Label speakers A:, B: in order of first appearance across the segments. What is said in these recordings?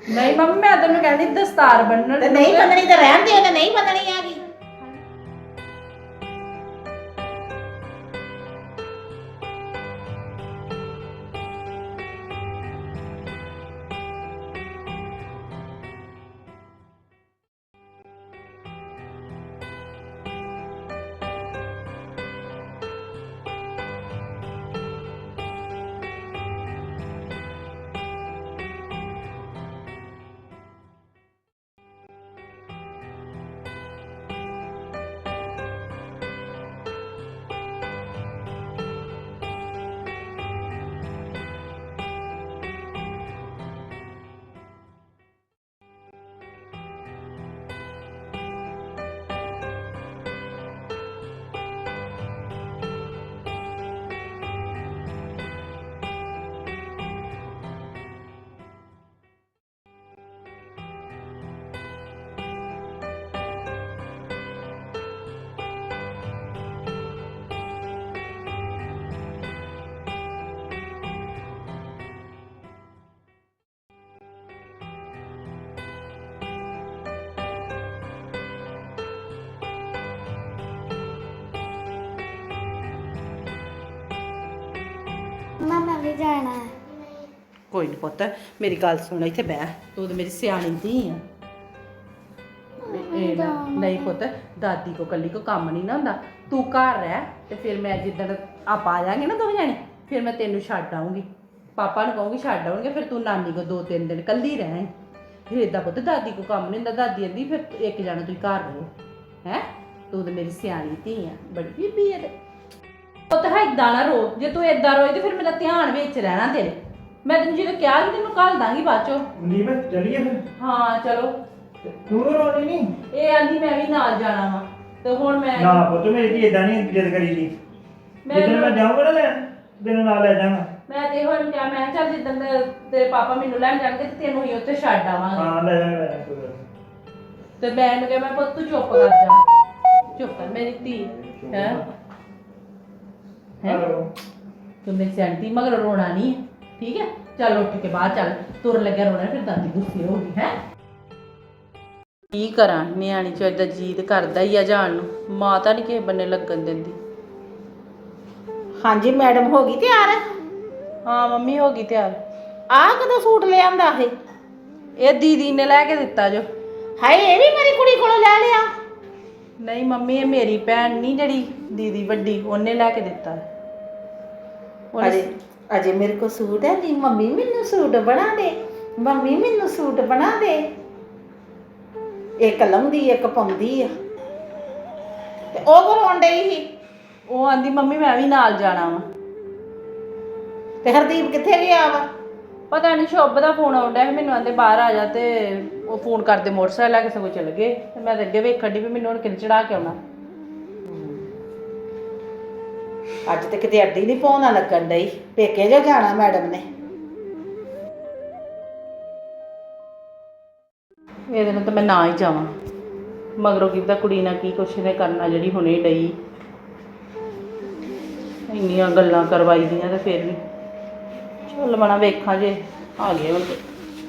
A: ਨਹੀਂ ਮੰਮੀ ਮੈਂ ਤੈਨੂੰ ਕਹਿੰਦੀ ਦਸਤਾਰ ਬੰਨਣ
B: ਤੇ ਨਹੀਂ ਬੰਨਣੀ ਤਾਂ ਰਹਿਣ ਦੇ, ਤੇ ਨਹੀਂ ਬੰਨਣੀ ਹੈਗੀ।
C: ਮੈਂ ਵੀ ਜਾਣਾ ਹੈ।
A: ਕੋਈ ਨਹੀਂ ਪੁੱਤ ਮੇਰੀ ਗੱਲ ਸੁਣ ਇੱਥੇ ਬਹਿ ਤੂੰ ਤੇ ਮੇਰੀ ਸਿਆਣੀ ਧੀ ਆ ਨਹੀਂ ਪੁੱਤ ਦਾਦੀ ਕੋ ਕੱਲੀ ਕੋ ਕੰਮ ਨਹੀਂ ਨਾ ਹੁੰਦਾ ਤੂੰ ਘਰ ਰਹਿ ਤੇ ਫਿਰ ਮੈਂ ਜਿੱਦਣ ਆਪਾਂ ਆ ਜਾਾਂਗੇ ਨਾ ਦੋਵੇਂ ਜਾਣੇ ਫਿਰ ਮੈਂ ਤੈਨੂੰ ਛੱਡ ਆਉਂਗੀ ਪਾਪਾ ਨੂੰ ਕਹੂੰਗੀ ਛੱਡ ਆਉਣਗੇ ਫਿਰ ਤੂੰ ਨਾਨੀ ਕੋ 2-3 ਦਿਨ ਕੱਲੀ ਰਹਿ ਫਿਰ ਏਦਾਂ ਪੁੱਤ ਦਾਦੀ ਕੋ ਕੰਮ ਨਹੀਂ ਹੁੰਦਾ ਦਾਦੀ ਕਹਿੰਦੀ ਫਿਰ ਇੱਕ ਜਾਣਾ ਤੁਸੀਂ ਘਰ ਰਹੋ ਹੈ ਤੂੰ ਤੇ ਮੇਰੀ ਸਿਆਣੀ ਧੀ ਆ ਬੜੀ ਬੀਬੀ ਆ ਤੇ ਪੁੱਤ ਏਦਾਂ ਨਾ ਰੋ ਜੇ ਤੂੰ ਏਦਾਂ ਰੋਈ ਤੇ ਫਿਰ ਮੇਰਾ ਧਿਆਨ ਵਿੱਚ ਰਹਿਣਾ ਤੇਰੇ ਮੈਂ ਤੈਨੂੰ ਜਦੋਂ ਕਿਹਾ ਸੀ ਤੈਨੂੰ ਘੱਲ ਦਾਂਗੀ ਬਾਅਦ ਚੋਂ
D: ਨੀਮ ਚੱਲੀਏ ਫਿਰ
A: ਹਾਂ ਚਲੋ
D: ਤੂੰ ਰੋਣੀ ਨਹੀਂ
A: ਇਹ ਆਂਦੀ ਮੈਂ ਵੀ ਨਾਲ ਜਾਣਾ ਵਾ ਤੇ ਹੁਣ ਮੈਂ
D: ਨਾ ਪੁੱਤ ਮੇਰੀ ਧੀ ਇਦਾਂ ਨਹੀਂ ਜਿੱਦ ਕਰੀ ਦੀ ਜਦੋਂ ਮੈਂ ਜਾਊਂਗਾ ਨਾ ਲੈਣ ਤੈਨੂੰ ਨਾਲ ਲੈ ਜਾਵਾਂਗਾ
A: ਮੈਂ ਤੇ ਹੁਣ ਕਿਹਾ ਮੈਂ ਕਿਹਾ ਚੱਲ ਜਿੱਦਣ ਤੇਰੇ ਪਾਪਾ ਮੈਨੂੰ ਲੈਣ ਜਾਣਗੇ ਤੇ ਤੈਨੂੰ ਹੀ ਉੱਥੇ ਛੱਡ ਆਵਾਂਗੇ
D: ਹਾਂ ਲੈ ਜਾਵਾਂਗਾ ਕੋਈ ਗੱਲ ਨੀ।
A: ਤੇ ਮੈਂ ਇਹਨੂੰ ਕਿਹਾ ਮੈਂ ਪੁੱਤ ਤੂੰ ਚੁੱਪ ਕਰ ਜਾ ਚੁੱਪ ਕਰ ਮੇਰੀ ਧੀ ਹੈ
D: ਹੈਲੋ
A: ਤੂੰ ਮੇਰੀ ਸਿਆਣੀ ਮਗਰ ਰੋਣਾ ਨਹੀਂ ਠੀਕ ਹੈ ਚੱਲ ਉੱਠ ਕੇ ਬਾਹਰ ਚੱਲ ਤੁਰ ਲੱਗਿਆ ਰੋਣਾ ਫਿਰ ਦਾਦੀ ਗੁੱਸੇ ਹੋ ਗਈ ਹੈ ਕੀ ਕਰਾਂ ਨਿਆਣੀ ਚ ਏਦਾਂ ਜੀਦ ਕਰਦਾ ਹੀ ਆ ਜਾਣ ਨੂੰ ਮਾਂ ਤਾਂ ਨਹੀਂ ਕਿਸੇ ਬੰਨੇ ਲੱਗਣ ਦਿੰਦੀ
B: ਹਾਂਜੀ ਮੈਡਮ ਹੋ ਗਈ ਤਿਆਰ?
A: ਹਾਂ ਮੰਮੀ ਹੋ ਗਈ ਤਿਆਰ
B: ਆਹ ਕਦੋਂ ਸੂਟ ਲੈ ਆਂਦਾ
A: ਇਹ ਦੀਦੀ ਨੇ ਲੈ ਕੇ ਦਿੱਤਾ ਜੋ
B: ਹਾਏ ਇਹ ਵੀ ਮੇਰੀ ਕੁੜੀ ਕੋਲੋਂ ਲੈ ਲਿਆ?
A: ਨਹੀਂ ਮੰਮੀ ਇਹ ਮੇਰੀ ਭੈਣ ਨਹੀਂ ਜਿਹੜੀ ਦੀਦੀ ਵੱਡੀ ਉਹਨੇ ਲੈ ਕੇ ਦਿੱਤਾ
B: ਅਜੇ ਮੇਰੇ ਕੋ ਸੂਟ ਹੈ ਨਹੀਂ ਮੰਮੀ ਮੈਨੂੰ ਸੂਟ ਬਣਾ ਦੇ ਮੰਮੀ ਮੈਨੂੰ ਸੂਟ ਬਣਾ ਦੇ ਇੱਕ ਲਾਉਂਦੀ ਇੱਕ ਪਾਉਂਦੀ ਆ ਤੇ ਉਹ ਕਰਾਉਣ ਡਈ ਸੀ
A: ਉਹ ਆਂਦੀ ਮੰਮੀ ਮੈਂ ਵੀ ਨਾਲ ਜਾਣਾ ਵਾ
B: ਤੇ ਹਰਦੀਪ ਕਿੱਥੇ ਗਿਆ ਵਾ?
A: ਪਤਾ ਨਹੀਂ ਸ਼ੁਭ ਦਾ ਫੋਨ ਆਉਂਦਾ ਸੀ ਮੈਨੂੰ ਆਂਦੇ ਬਾਹਰ ਆ ਜਾ ਤੇ ਉਹ ਫੋਨ ਕਰਦੇ ਮੋਟਰਸਾਈਕਲ ਲੈ ਕੇ ਸਗੋਂ ਚਲ ਗਏ ਤੇ ਮੈਂ ਤਾਂ ਅੱਗੇ ਵੇਖਣ ਦੀ ਵੀ ਮੈਨੂੰ ਹੁਣ ਕਿੰਨ ਚੜਾ ਕੇ ਆਉਣਾ
B: ਅੱਜ ਤੇ ਕਿਤੇ ਅੱਡੀ ਨਹੀਂ ਪਾਉਣਾ ਲੱਗਣ ਡਈ ਪੇਕੇ ਜੋ ਜਾਣਾ ਮੈਡਮ ਨੇ
A: ਇਹਦੇ ਨਾਲ ਤਾਂ ਮੈਂ ਨਾ ਹੀ ਜਾਵਾਂ ਮਗਰੋਂ ਕੀ ਪਤਾ ਕੁੜੀ ਨਾਲ ਕੀ ਕੁਛ ਨੇ ਕਰਨਾ ਜਿਹੜੀ ਹੁਣੇ ਡਈ ਇੰਨੀਆਂ ਗੱਲਾਂ ਕਰਵਾਈ ਦੀਆਂ ਤੇ ਫਿਰ ਵੀ ਚੱਲ ਮਣਾ ਵੇਖਾਂ ਜੇ ਆ ਗਏ ਹੁਣ ਤੇ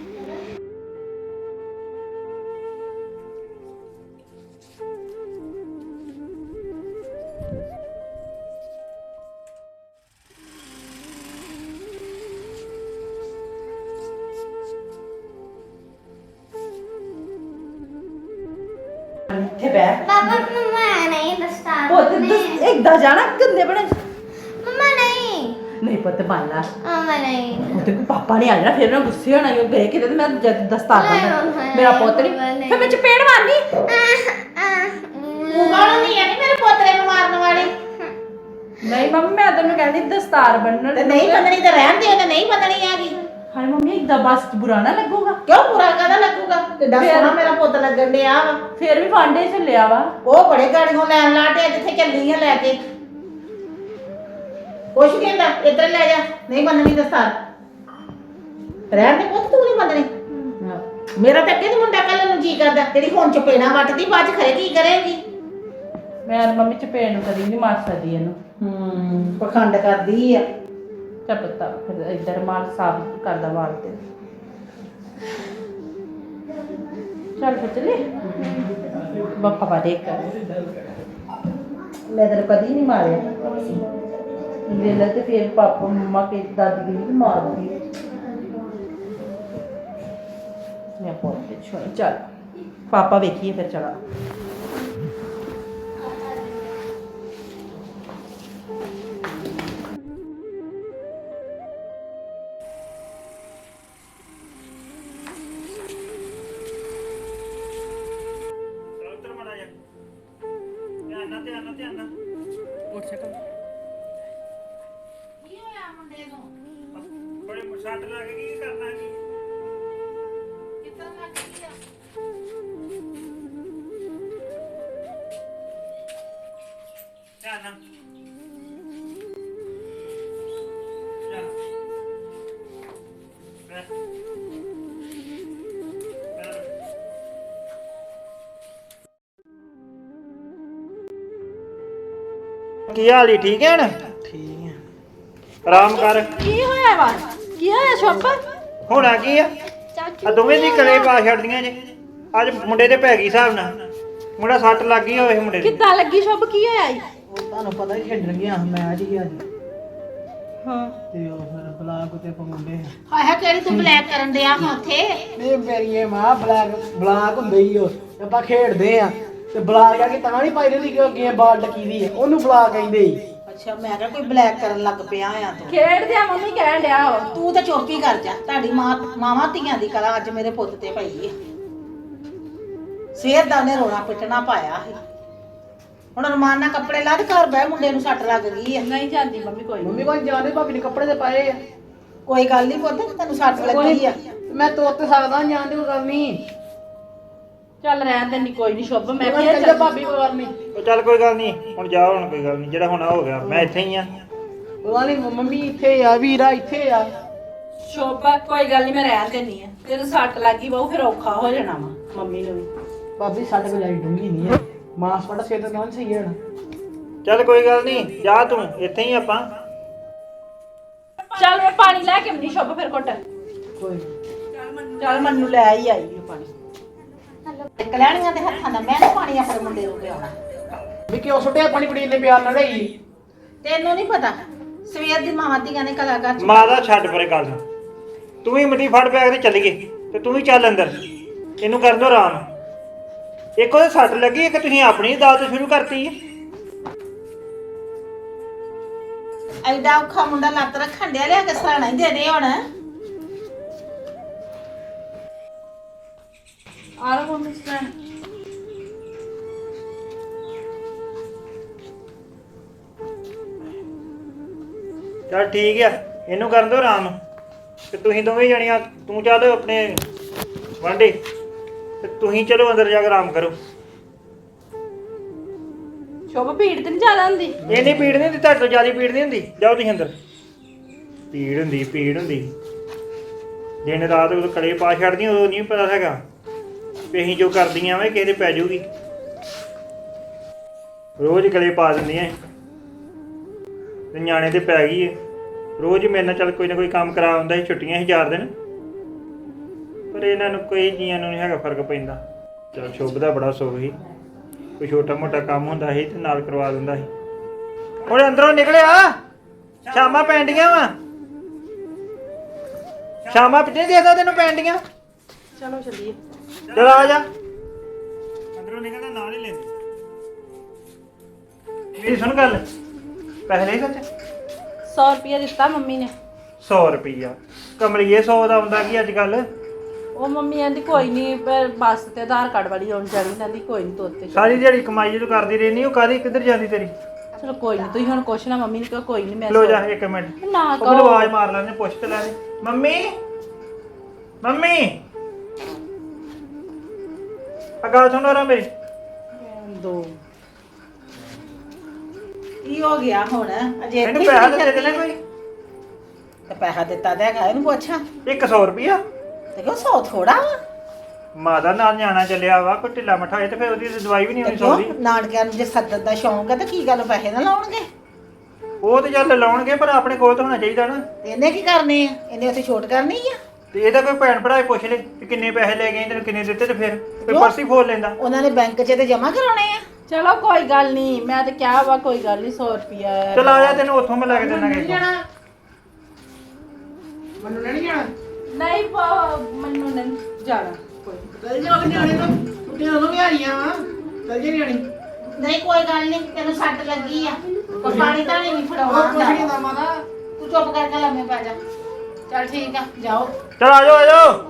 A: ਇੱਥੇ ਬੈ
C: ਪਾਪਾ ਮਮਾ ਨਹੀਂ ਦਸਤਾਰ
A: ਪੁੱਤ ਇੱਦਾਂ ਜਾਣਾ ਗੰਦੇ ਬਣੇ
C: ਮਮਾ ਨਹੀਂ
A: ਨਹੀਂ ਪੁੱਤ ਬਾਲਾ
C: ਮਮਾ ਨਹੀਂ
A: ਉਹਦੇ ਕੋ ਪਾਪਾ ਨੇ ਆ ਜਾਣਾ ਫਿਰ ਨਾ ਗੁੱਸੇ ਹੋਣਾ ਉਹ ਗਏ ਕਿਤੇ ਤੇ ਮੈਂ ਦਸਤਾਰ ਬੰਨ੍ਹਣਾ ਮੇਰਾ ਪੁੱਤ ਨਹੀਂ ਫਿਰ ਮੈਂ ਚਪੇੜ ਮਾਰਨੀ
B: ਤੂੰ ਕੌਣ ਨਹੀਂ ਹੈ ਮੇਰੇ ਪੋਤਰੇ ਨੂੰ ਮਾਰਨ ਵਾਲੀ
A: ਨਹੀਂ ਮੰਮੀ ਮੈਂ ਤੈਨੂੰ ਕਹਿੰਦੀ ਦਸਤਾਰ ਬੰਨਣ
B: ਤੇ ਨਹੀਂ ਬੰਨਣੀ ਤਾਂ ਰਹਿਣ ਦੇ ਤੇ ਨਹੀਂ ਬੰਨਣੀ ਹੈਗੀ
A: ਹਾਏ ਮੰਮੀ ਇੱਦਾਂ ਬਸ ਬੁਰਾ ਨਾ ਲੱਗੂਗਾ
B: ਕਿਉਂ ਬੁਰਾ ਕਾਹਦਾ ਲੱਗੂਗਾ ਕਿੱਡਾ ਸੋਹਣਾ ਮੇਰਾ ਪੁੱਤ ਲੱਗਣ ਡਿਆ ਵਾ
A: ਫਿਰ ਵੀ ਵਾਂਡੇ ਚੱਲਿਆ ਵਾ
B: ਉਹ ਬੜੇ ਗਾੜੀਆਂ ਲੈਣ ਲਾਟਿਆ ਜਿੱਥੇ ਚੱਲੀ ਆ ਲੈ ਕੇ ਕੁਛ ਕਹਿੰਦਾ ਇੱਧਰ ਲੈ ਜਾ ਨਹੀਂ ਬੰਨਣੀ ਦਸਤਾਰ ਰਹਿਣ ਦੇ ਪੁੱਤ ਤੂੰ ਨਹੀਂ ਬੰਨਣੀ ਮੇਰਾ ਤਾਂ ਅੱਗੇ ਤੇ ਮੁੰਡਾ ਕੱਲ ਨੂੰ ਜੀ ਕਰਦਾ ਜਿਹੜੀ ਹੁਣ ਚਪੇੜਾ ਵੱਟਦੀ ਬਾਅਦ ਚ ਖਰੇ ਕੀ ਕਰੇਗੀ
A: ਮੈਂ ਮੰਮੀ ਚਪੇੜ ਨੂੰ ਕਦੀ ਨਹੀਂ ਮਾਰ ਸਕਦੀ ਇਹਨੂੰ
B: ਪਖੰਡ ਕਰਦੀ ਆ
A: ਚੱਪਤਾ ਫਿਰ ਇੱਧਰ ਮਾਰ ਸਾਫ ਕਰਦਾ ਵਾਲ ਤੇ ਚੱਲ ਫਿਰ ਚੱਲੇ ਪਾਪਾ ਦੇਖ ਮੈਂ ਤੈਨੂੰ ਕਦੀ ਨਹੀਂ ਮਾਰਿਆ ਵੇਲਾ ਤੇ ਫਿਰ ਪਾਪਾ ਮੰਮਾ ਕੇ ਦਾਦੀ ਨੂੰ ਵੀ ਮਾਰਦੀ ਮੈਂ ਪੋਤੇ ਛੋੜ ਚੱਲ ਪਾਪਾ ਵੇਖੀਏ ਫਿਰ ਚਲਾ
D: ਉੱਤਰ ਮੜਾ ਜਾ ਧਿਆਨ ਨਾਲ
A: ਉੱਠ ਸਕਾ
B: ਕੀ ਹੋਇਆ ਮੁੰਡੇ ਨੂੰ
D: ਬੜੇ ਸੱਟ ਲੱਗ ਗਈ ਕੀ ਕਰਨਾ ਕੀ
B: ਕਿੱਦਾਂ ਲੱਗ ਗਈ ਆ
D: ਧਿਆਨ ਨਾਲ ਕੀ ਹਾਲ ਈ ਠੀਕ ਹੈ ਨਾ
E: ਠੀਕ ਹੈ।
D: ਆਰਾਮ ਕਰ
A: ਕੀ ਹੋਇਆ ਵਾ ਕੀ ਹੋਇਆ ਸ਼ੋਪ
D: ਹੋਣਾ ਕੀ ਆ ਆ ਦੋਵੇਂ ਦੀ ਕਲੇ ਪਾ ਛੱਡਦੀਆਂ ਜੇ ਅੱਜ ਮੁੰਡੇ ਤੇ ਪੈ ਗਈ ਹਿਸਾਬ ਨਾਲ ਮੁੰਡਾ ਸੱਟ ਲੱਗ ਗਈ ਹੋਵੇ ਮੁੰਡੇ ਦੀ
A: ਕਿੱਦਾਂ ਲੱਗੀ ਸ਼ੋਪ ਕੀ ਹੋਇਆ ਈ
E: ਉਹ ਤੁਹਾਨੂੰ ਪਤਾ ਹੀ ਖੇਡਣ ਗਿਆ ਮੈਚ ਹੀ ਅੱਜ
A: ਹਾਂ
E: ਤੇ ਉਹ ਫਿਰ ਬਲਾਕ ਉਤੇ ਪਵਾਉਂਦੇ ਆ
B: ਹਾਏ ਹਾਏ ਕਿਹੜੀ ਤੂੰ ਬਲੈਕ ਕਰਨ ਡਿਆ ਹਾਂ ਉੱਥੇ
E: ਨਹੀਂ ਮੇਰੀ ਇਹ ਮਾਂ ਬਲਾਕ ਹੁੰਦੇ ਹੀ ਉਹ ਆਪਾਂ ਖੇਡਦੇ ਆ ਤੇ ਬਲਾਕ ਆ ਕੇ ਤਾਂ ਨਹੀਂ ਪਾਈ ਦੀ ਕਿ ਗੇਮ ਬਾਲ ਟਕੀ ਦੀ ਆ ਉਹਨੂੰ ਬਲਾਕ ਕਹਿੰਦੇ ਹੀ
B: ਅੱਛਾ ਮੈਂ ਕਿਹਾ ਕੋਈ ਬਲੈਕ ਕਰਨ ਲੱਗ ਪਿਆ ਆ ਤੂੰ
A: ਖੇਡਦੇ ਆ ਮੰਮੀ ਕਹਿਣ ਡਿਆ ਵਾ
B: ਤੂੰ ਤਾਂ ਚੁੱਪ ਹੀ ਕਰ ਜਾ ਤੁਹਾਡੀ ਮਾਵਾਂ ਧੀਆਂ ਦੀ ਕਲਾ ਅੱਜ ਮੇਰੇ ਪੁੱਤ ਤੇ ਪਈ ਹੈ ਸਵੇਰ ਦਾ ਉਹਨੇ ਰੋਣਾ ਪਿੱਟਣਾ ਪਾਇਆ ਸੀ ਹੁਣ ਰਮਾਨ ਨਾਲ ਕੱਪੜੇ ਲਾ ਤੇ ਘਰ ਬਹਿ ਮੁੰਡੇ ਨੂੰ ਸੱਟ ਲੱਗ ਗਈ ਹੈ
A: ਨਹੀਂ ਜਾਂਦੀ ਮੰਮੀ ਕੋਈ
E: ਮੰਮੀ ਕੋਲ ਜਾਣੇ ਭਾਬੀ ਨੇ ਕੱਪੜੇ ਤੇ ਪਾਏ ਆ
B: ਕੋਈ ਗੱਲ ਨਹੀਂ ਪੁੱਤ ਤੈਨੂੰ ਸੱਟ ਲੱਗੀ ਆ
E: ਮੈਂ ਤੋਰ ਤੇ ਸਕਦਾ ਜਾਣ ਦੀ ਕੋਈ ਗੱਲ ਨਹੀਂ
A: ਚੱਲ ਰਹਿਣ ਦੇ ਨਹੀਂ ਕੋਈ ਨਹੀਂ ਸ਼ੁਭ ਮੈਂ
E: ਮੈਂ
A: ਫੇਰ
E: ਕਹਿੰਦਾ ਭਾਬੀ ਕੋਈ ਗੱਲ ਨਹੀਂ
D: ਉਹ ਚੱਲ ਕੋਈ ਗੱਲ ਨਹੀਂ ਹੁਣ ਜਾ ਹੁਣ ਕੋਈ ਗੱਲ ਨਹੀਂ ਜਿਹੜਾ ਹੋਣਾ ਹੋ ਗਿਆ ਮੈਂ ਇੱਥੇ ਹੀ ਆ
E: ਉਹ ਨਹੀਂ ਮੰਮੀ ਇੱਥੇ ਆ ਵੀਰਾ ਇੱਥੇ ਆ
A: ਸ਼ੁਭ ਕੋਈ ਗੱਲ ਨਹੀਂ ਮੈਂ ਰਹਿਣ ਦੇਣੀ ਆ ਜਦੋਂ ਸੱਟ ਲੱਗੀ ਬਹੁ ਫਿਰ ਔਖਾ ਹੋ ਜਾਣਾ ਵਾ ਮੰਮੀ ਨੂੰ ਵੀ
E: ਭਾਬੀ ਸਾਡੇ ਕੋਲ ਜਾਈ ਡੂੰਗੀ ਨਹੀਂ ਹੈ ਮਾਸ ਪੜਾ ਸੇਤ ਨਾਲ ਸਹੀ ਹੈ ਨਾ
D: ਚੱਲ ਕੋਈ ਗੱਲ ਨਹੀਂ ਜਾ ਤੂੰ ਇੱਥੇ ਹੀ ਆਪਾਂ
A: ਚੱਲ ਮੈਂ ਪਾਣੀ ਲੈ ਕੇ ਆਉਂਦੀ ਸ਼ੁਭ ਫਿਰ ਘੁੱਟ
E: ਕੋਈ
A: ਚੱਲ ਮੰਨੂ ਲੈ ਹੀ ਆਈ ਉਹ ਪਾਣੀ
B: ਕਲਿਆਣੀਆਂ ਦੇ ਹੱਥਾਂ ਦਾ ਮੈਂ ਨੀ ਪਾਣੀ ਆਪਣੇ ਮੁੰਡੇ ਨੂੰ ਪਿਆਉਣਾ
E: ਵੀ ਕਿਉਂ ਸੁੱਟਿਆ ਪਾਣੀ ਪੜੀ ਨੇ ਪਿਆਰ ਨਾਲ ਲਈ
B: ਤੈਨੂੰ ਨਹੀਂ ਪਤਾ ਸਵੇਰ ਦੀ ਮਾਵਾਂ ਧੀਆਂ ਨੇ ਕਲਾਕਾਰ
D: ਮਾਦਾ ਛੱਡ ਪਰੇ ਗੱਲ ਨੂੰ ਤੂੰ ਵੀ ਮਿੱਟੀ ਫੜ ਪਿਆ ਕੇ ਚੱਲ ਗਏ ਤੇ ਤੂੰ ਵੀ ਚੱਲ ਅੰਦਰ ਇਹਨੂੰ ਕਰ ਦੋ ਆਰਾਮ ਇੱਕ ਉਹਦੇ ਸੱਟ ਲੱਗੀ ਇੱਕ ਤੁਸੀਂ ਆਪਣੀ ਦਾਤ ਸ਼ੁਰੂ ਕਰਤੀ ਹੈ
B: ਐਡਾ ਔਖਾ ਮੁੰਡਾ ਲੱਤ ਰੱਖਣ ਡਿਆ ਲਿਆ ਕੇ ਸਰਾਣਾ ਹੀ ਦੇ ਦੇ ਹੁਣ
A: ਆ ਲਓ ਮੰਮੀ ਸਟੈਂਡ
D: ਚੱਲ ਠੀਕ ਆ ਇਹਨੂੰ ਕਰਨ ਦੋ ਆਰਾਮ ਤੇ ਤੁਸੀਂ ਦੋਵੇਂ ਜਣੀਆਂ ਤੂੰ ਚੱਲ ਆਪਣੇ ਵਾਂਡੇ ਤੇ ਤੁਸੀਂ ਚਲੋ ਅੰਦਰ ਜਾ ਕੇ ਆਰਾਮ ਕਰੋ
A: ਸ਼ੁਭ ਭੀੜ ਤੇ ਨਹੀਂ ਜ਼ਿਆਦਾ ਹੁੰਦੀ
D: ਇਹ ਨਹੀਂ ਪੀੜ ਨਹੀਂ ਹੁੰਦੀ ਤੁਹਾਡੇ ਤੋਂ ਜ਼ਿਆਦਾ ਪੀੜ ਨਹੀਂ ਹੁੰਦੀ ਜਾਓ ਤੁਸੀਂ ਅੰਦਰ ਪੀੜ ਹੁੰਦੀ ਦਿਨ ਰਾਤ ਉਹ ਕਲੇ ਪਾ ਛੱਡਦੀਆਂ ਉਦੋਂ ਨਹੀਂ ਪਤਾ ਹੈਗਾ ਵੀ ਅਸੀਂ ਜੋ ਕਰਦੀਆਂ ਵੇ ਕਿਸੇ ਦੇ ਪੈ ਜਾਊਗੀ ਰੋਜ਼ ਕਲੇ ਪਾ ਦਿੰਦੀਆਂ ਤੇ ਨਿਆਣੇ ਤੇ ਪੈ ਗਈ ਏ ਰੋਜ਼ ਹੀ ਮੇਰੇ ਨਾਲ ਚੱਲ ਕੋਈ ਨਾ ਕੋਈ ਕੰਮ ਕਰਾ ਹੁੰਦਾ ਸੀ ਛੁੱਟੀਆਂ ਸੀ 4 ਦਿਨ ਪਰ ਇਹਨਾਂ ਨੂੰ ਕੋਈ ਜੀਆਂ ਨੂੰ ਨਹੀਂ ਹੈਗਾ ਫਰਕ ਪੈਂਦਾ ਚੱਲ ਸ਼ੁਭ ਦਾ ਬੜਾ ਸੁੱਖ ਸੀ ਕੋਈ ਛੋਟਾ ਮੋਟਾ ਕੰਮ ਹੁੰਦਾ ਸੀ ਤੇ ਨਾਲ ਕਰਵਾ ਦਿੰਦਾ ਸੀ ਹੁਣ ਅੰਦਰੋਂ ਨਿਕਲਿਆ ਸ਼ਾਮਾਂ ਪੈਂਦੀਆਂ ਵਾ ਸ਼ਾਮਾਂ ਪਿੱਛੇ ਦੇਖਦਾ ਤੈਨੂੰ ਪੈਂਦੀਆਂ
A: ਚਲੋ ਚੱਲੀਏ
D: ਚਲ ਆ ਜਾ ਅੰਦਰੋਂ ਨਿਕਲਦਾ ਨਾਲ ਹੀ ਲੈਂਦੀ ਮੇਰੀ ਸੁਣ ਗੱਲ ਪੈਸੇ ਲੈ ਸੱਚ
A: 100 ਰੁਪਇਆ ਦਿੱਤਾ ਮੰਮੀ ਨੇ
D: 100 ਰੁਪਈਆ ਕਮਲੀਏ 100 ਦਾ ਹੁੰਦਾ ਕੀ ਅੱਜ ਕੱਲ
A: ਉਹ ਮੰਮੀ ਕਹਿੰਦੀ ਕੋਈ ਨਹੀਂ ਬੱਸ ਤੇ ਆਧਾਰ ਕਾਰਡ ਵਾਲੀ ਆਉਣ ਜਾਣੀ ਕਹਿੰਦੀ ਕੋਈ ਨਹੀਂ ਤੋਤੇ
D: ਸਾਰੀ ਦਿਹਾੜੀ ਕਮਾਈ ਜਦੋਂ ਕਰਦੀ ਰਹਿੰਦੀ ਉਹ ਕਾਹਦੀ ਕਿੱਧਰ ਜਾਂਦੀ ਤੇਰੀ
A: ਚਲੋ ਕੋਈ ਨਹੀਂ ਤੁਸੀਂ ਹੁਣ ਕੁਛ ਨਾ ਮੰਮੀ ਨੂੰ ਕਹੋ ਕੋਈ ਨਹੀਂ ਮੈਂ
D: ਲੋ ਜਾ ਇੱਕ ਮਿੰਟ
A: ਨਾ
D: ਉਹ ਮੈਨੂੰ
A: ਕਹੋ
D: ਆਵਾਜ਼ ਮਾਰ ਲੈਣੇ ਪੁੱਛ ਤੇ ਲੈਣੇ ਮੰਮੀ ਆ ਗੱਲ ਸੁਣੋ ਰਾ ਮੇਰੀ
A: ਦੋ
B: ਕੀ ਹੋ ਗਿਆ ਹੁਣ ਅਜੇ
D: ਇਹਨੂੰ
B: ਇੱਥੇ
D: ਪੈਸਾ
B: ਹੀ
D: ਤਾਂ ਦੇ ਦੇਣਾ ਕੋਈ
B: ਤੇ ਪੈਸਾ ਦਿੱਤਾ ਤੇ ਹੈਗਾ ਇਹਨੂੰ ਪੁੱਛਾਂ
D: 100 ਰੁਪਈਆ
B: ਤੇ ਕਿਉਂ 100 ਥੋੜਾ ਵਾ
D: ਮਾਦਾ ਨਾਲ ਨਿਆਣਾ ਚੱਲਿਆ ਵਾ ਕੋਈ ਢਿੱਲਾ ਮੱਠਾ ਹੋਏ ਤੇ ਫਿਰ ਉਹਦੀ ਤਾਂ ਦਵਾਈ ਵੀ ਨਹੀਂ
B: ਤੇ
D: ਹੋਣੀ 100 ਦੀ
B: ਕਿਉਂ ਨਾਨਕਿਆਂ ਨੂੰ ਜੇ ਸੱਦਣ ਦਾ ਸ਼ੌਂਕ ਹੈ ਤਾਂ ਕੀ ਗੱਲ ਪੈਸੇ ਨਾ ਲਾਉਣਗੇ
D: ਉਹ ਤੇ ਚੱਲ ਲਾਉਣਗੇ ਪਰ ਆਪਣੇ ਕੋਲ ਤਾਂ ਹੋਣਾ ਚਾਹੀਦਾ ਨਾ
B: ਤੇ ਇਹਨੇ ਕੀ ਕਰਨੇ ਆ ਇਹਨੇ ਉੱਥੇ ਛੋਟ ਕਰਨੀ ਆ
D: ਤੇ ਇਹਦਾ ਕੋਈ ਭੈਣ ਭਰਾ ਹੀ ਪੁੱਛ ਲੈ ਕਿ ਕਿੰਨੇ ਪੈਸੇ ਲੈ ਗਏ ਤੈਨੂੰ ਕਿੰਨੇ ਦਿੱਤੇ ਤੇ ਫਿਰ ਕੋਈ
B: ਕਿਉਂ?
D: ਪਰਸ ਹੀ ਫੋਲ ਲੈਂਦਾ।
B: ਉਹਨਾਂ ਨੇ ਬੈਂਕ 'ਚ ਤੇ ਜਮਾ ਕਰਾਉਣੇ ਆ।
A: ਚਲੋ ਕੋਈ ਗੱਲ ਨਹੀਂ, ਮੈਂ ਤਾਂ ਕਿਹਾ ਵਾ ਕੋਈ ਗੱਲ ਨਹੀਂ 100 ਰੁਪਿਆ।
D: ਚਲ ਆ ਜਾ ਤੈਨੂੰ ਉੱਥੋਂ ਮੈਂ ਲੈ ਕੇ ਦੇਣਾ ਕਿਸੇ ਕੋਲ।
E: ਮੈਨੂੰ ਨਹੀਂ ਜਾਣਾ
A: ਨਹੀਂ ਮੈਨੂੰ ਨਹੀਂ ਜਾਣਾ ਕੋਈ।
E: ਚੱਲ ਜਾ ਕਿ ਨਿਆਣੇ ਤਾਂ ਕੁੱਤਿਆਂ ਨੂੰ ਵੀ ਆਈਆਂ ਵਾ ਚੱਲ ਜਾ ਨਿਆਣੀ
B: ਨਹੀਂ ਕੋਈ ਗੱਲ ਨਹੀਂ, ਤੈਨੂੰ ਸੱਟ ਲੱਗੀ ਆ, ਕੋਈ ਪਾਣੀ ਤਾਂ ਨਹੀਂ ਫੜਾਉਣਾ
E: ਉਹ ਕੁਛ ਨਹੀਂ
B: ਹੁੰਦਾ।
E: ਦਾ ਮਾਤਾ
B: ਤੂੰ ਚੁੱਪ ਕਰਕੇ ਲੰਮੇ ਪੈ ਜਾ। ਚੱਲ ਠੀਕ ਆ, ਜਾਓ।
D: ਚਲ ਆ ਜਾਓ ਆ ਜਾਓ।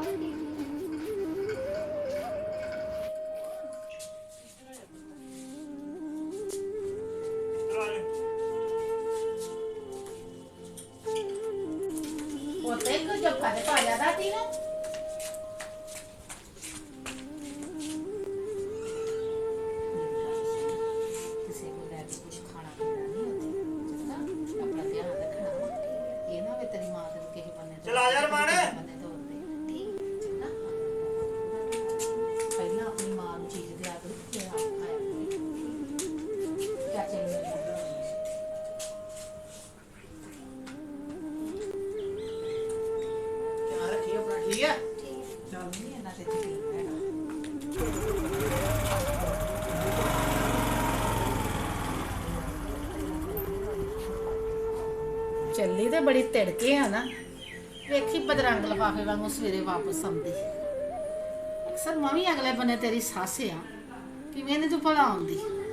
B: ਉੱਤੇ ਕੋ ਜੱਫਾ ਤੇ ਪਾ ਜਾ ਦਾਦੀ ਨੂੰ। ਕਿਸੇ ਨੂੰ ਲੈ ਕੇ ਕੁਝ ਖਾਣਾ ਪੀਣਾ ਨਹੀਂ ਉੱਥੇ, ਚੰਗਾ? ਆਪਣਾ ਧਿਆਨ ਰੱਖਣਾ ਵਾ। ਇਹ ਨਾ ਵੇ ਤੇਰੀ ਮਾਂ ਤੈਨੂੰ ਕਿਸੇ ਬੰਨੇ ਤੋਂ
D: ਚਲ ਆ ਜਾ ਰਮਾਨ।
B: ਬੰਨੇ ਤੋਂ ਉੱਤੇ, ਠੀਕ? ਚੰਗਾ? ਪਹਿਲਾਂ ਆਪਣੀ ਮਾਂ ਨੂੰ ਚੀਜ਼ ਦਿਆ ਕਰੋ, ਫਿਰ ਆਪ ਖਾਇਆ ਕਰੋ। ਚਾਚੇ ਨੂੰ ਲੈ ਜਾਓ।
E: ਧਿਆਨ ਰੱਖੀ ਆਪਣਾ, ਠੀਕ ਹੈ?
B: ਚੱਲ ਨਹੀਂ ਇਹਨਾਂ ਤੇ ਯਕੀਨ ਹੈਗਾ। ਚੱਲੀ ਤੇ ਬੜੀ ਤਿੜਕੇ ਆ ਨਾ, ਵੇਖੀ ਬਦਰੰਗ ਲਫਾਫੇ ਵਾਂਗੂ ਸਵੇਰੇ ਵਾਪਸ ਆਉਂਦੀ। ਅਕਸਰ ਮੈਂ ਵੀ ਅਗਲੇ ਬੰਨੇ ਤੇਰੀ ਸੱਸ ਆ, ਕਿਵੇਂ ਨੀ ਤੂੰ ਭਲਾ ਆਉਂਦੀ।